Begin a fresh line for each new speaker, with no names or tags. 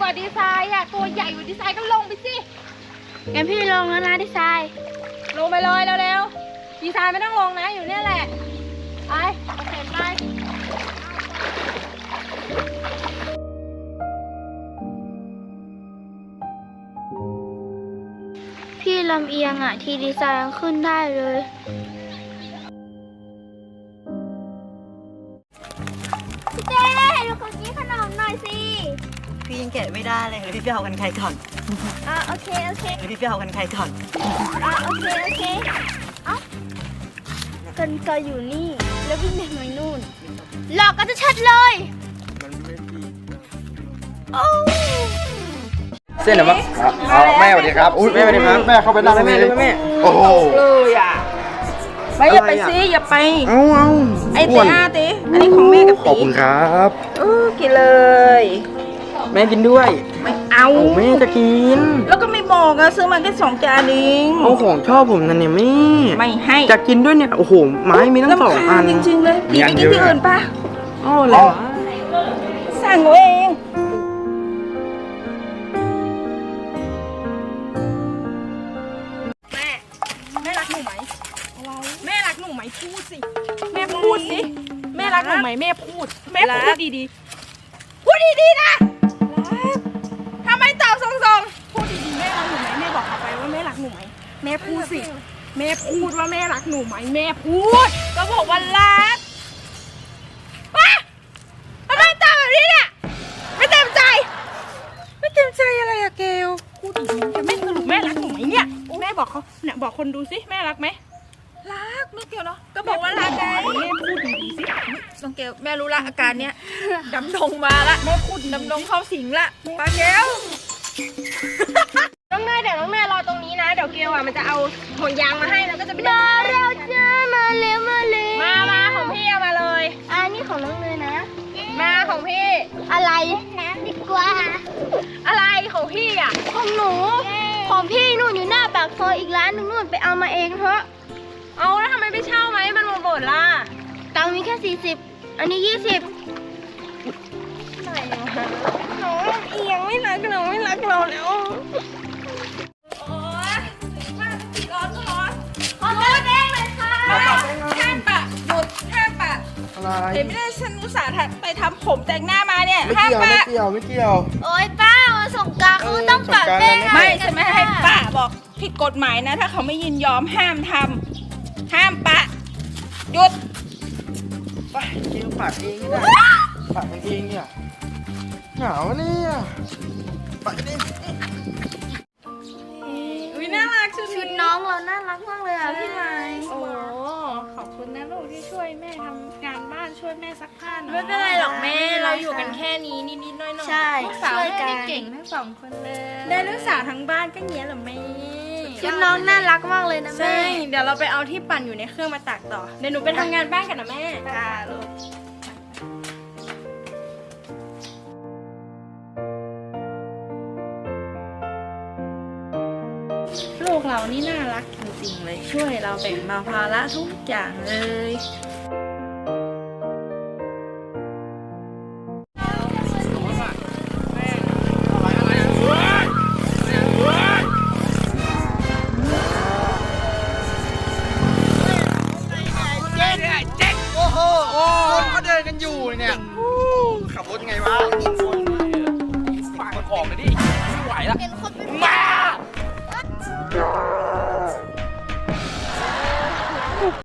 ว่าดีไซน์อ่ะตัวใหญ่กว่าดีไซน์ก็ลงไปสิ
งั้นพี่ลงแล้วนะดีไซน์
ลงไปเลยเร็วๆดีไซน์ไม่ต้องลงนะอยู่เนี่ยแหละไปเอาเข็นไป
พี่ลำเอียงอ่ะทีดีไซน์ยังขึ้นได้เลยพี่เต้ดูคนนี้ขนมหน่อยสิ
พี่ยังแกะไม่ได้เลยพี่ไปเอากันไกลก่อน
โอเค
พี่ไปเอากันไกลก่อน
โอเคเอ้ากันไกลอยู่นี่แล้ววิ่งไปทางนู่นหลอกกันจะชัดเลยมันไม่ดี
เส้นเหรอมั้งแม่สวัสดีครับอุ้ยแม่สวัสดีครับแม่เข้าไปนั่งแม่โอ้โห
เลยอ่ะไม่อย่าไปซิอย่าไป
เอา
ไอเต้ติอันนี้ของแม่กับ
ขอบคุณครับ
กินเลย
แม่กินด้วย
ไม่เอา
แม่จะกิน
แล้วก็ไม่บอกอะซื้อมาแค่2 จานเอง
เอาของชอบผมนั่นเนี่ยแม่
ไม่ให้
จะกินด้วยเนี่ยโอ้โหไม้มีตั้ง2 อัน
จริงๆเลยพี่ไปกินที่อื่นปะ
อ๋อเหรอ
สั่งเองแม่รักหนูไหมแม่รักหนูไหมพูดสิแม่พูดสิแม่รักหนูไหมแม่พูดดีๆพูดดีๆนะทำไมตอบทรงๆพูดดีๆแม่รักหนูไหมแม่บอกเขาไปว่าแม่รักหนูไหมแม่พูดสิแม่พูดว่าแม่รักหนูไหมแม่พูดก็บอกว่ารักทำไมตอบแบบนี้เนี่ยไม่เต็มใจอะไรอะเกลพูดดีๆจะไม่สรุปแม่รักหนูไหมเนี่ยแม่บอกเขาเนี่ยบอกคนดูสิแม่รักไหมรักน้องเกลเนาะก็บอกว่ารักไงแม่พูดดีๆสิน้องเกลแม่รู้ละอาการเนี้ยดำดงมาละแม่พูดดำดงเข้าสิงละปาเกลน้องเนยเดี๋ยวน้องเนยรอตรงนี้นะเดี๋ยวเกลอ่ะมันจะเอาห่วงยางมาให้แล้วก็จะไป
มาเราจะมาเร็ว
มาของพี่เอามาเลย
นี่ของน้องเนยนะ
มาของพี่
อะไรนะดีกว่า
อะไรของพี่อ่ะ
ของหนูของพี่นู่นอยู่หน้าปากซอยอีกร้านนึงนู่นไปเอามาเองเถอะ
เอาแล้วทำไมไม่เช่าไหมมันหมดล่ะ
ตังค์มีแค่40อันนี้20
ไหนวะน้องเอียงไม่รักเราแล้วโอ๊ยมาร้อนขอโทษเองเลยค่ะห้ามปะหยุดห้ามปะเห็นไม่ได้ฉันอุตส่าห์ไปทำผมแต่งหน้ามาเนี่ยห้ามปะ
ไม่เกี่ยว
โอ๊ยป้ามาส่งกรานต์คือต้องปะแป้ง
ไม่ใช่ไหมให้ป้าบอกผิดกฎหมายนะถ้าเขาไม่ยินยอมห้ามทำห้ามปะหยุด
ไปกินผักเองก็ได้ผักเองเนี่ยหนาวเนี่ยไปดิ
อุ้ยน่ารัก
ชุดน้องเราน่ารักมากเลยอ่ะพี่ไม้
โอ้ขอบคุณนะลูกที่ช่วยแม่ทำงานบ้านช่วยแม่ซักผ้า
ไม่เป็นไรหรอกแม่
เราอยู่กันแค่นี้นิดๆน้อยๆ
ใช่
ลูกสาวแม่เก่งทั้ง2 คนเลยได้ลูกสาวทั้งบ้านก็เงี้ยเหรอแม่
ชุดน้องน่ารักมากเลยนะแม่
เดี๋ยวเราไปเอาที่ปั่นอยู่ในเครื่องมาตากต่อเดี๋ยวหนูไปทำงานบ้านกันนะแม่ค่ะลูกเรานี่น่ารักจริงๆเลยช่วยเราแบ่งเบาภาระทุกอย่างเลย
เขาเดินกันอยู่เนี่ยขับรถยังไงวะฝากมันออกเลยดิไม่ไหวแล้วมา